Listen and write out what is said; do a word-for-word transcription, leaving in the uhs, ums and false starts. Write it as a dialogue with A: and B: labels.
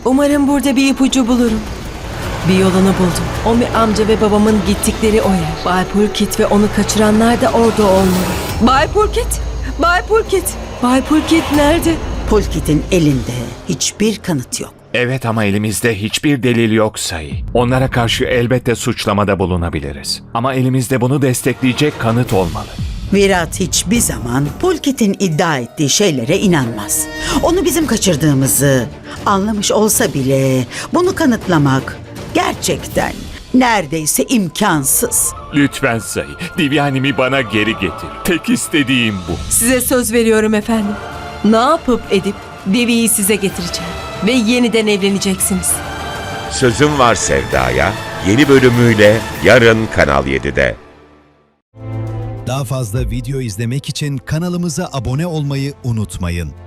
A: Umarım burada bir ipucu bulurum. Bir yolunu buldum. Omi amca ve babamın gittikleri o yer. Bay Pulkit ve onu kaçıranlar da orada olmalı. Bay Pulkit! Bay Pulkit! Bay Pulkit nerede?
B: Pulkit'in elinde hiçbir kanıt yok.
C: Evet ama elimizde hiçbir delil yok Sayı. Onlara karşı elbette suçlamada bulunabiliriz. Ama elimizde bunu destekleyecek kanıt olmalı.
B: Virat hiçbir zaman Pulkit'in iddia ettiği şeylere inanmaz. Onu bizim kaçırdığımızı anlamış olsa bile bunu kanıtlamak gerçekten neredeyse imkansız.
C: Lütfen Sayı, Divyanimi bana geri getir. Tek istediğim bu.
A: Size söz veriyorum efendim. Ne yapıp edip Devi'yi size getireceğim. Ve yeniden evleneceksiniz.
D: Sözüm Var Sevda'ya yeni bölümüyle yarın Kanal yedide.
E: Daha fazla video izlemek için kanalımıza abone olmayı unutmayın.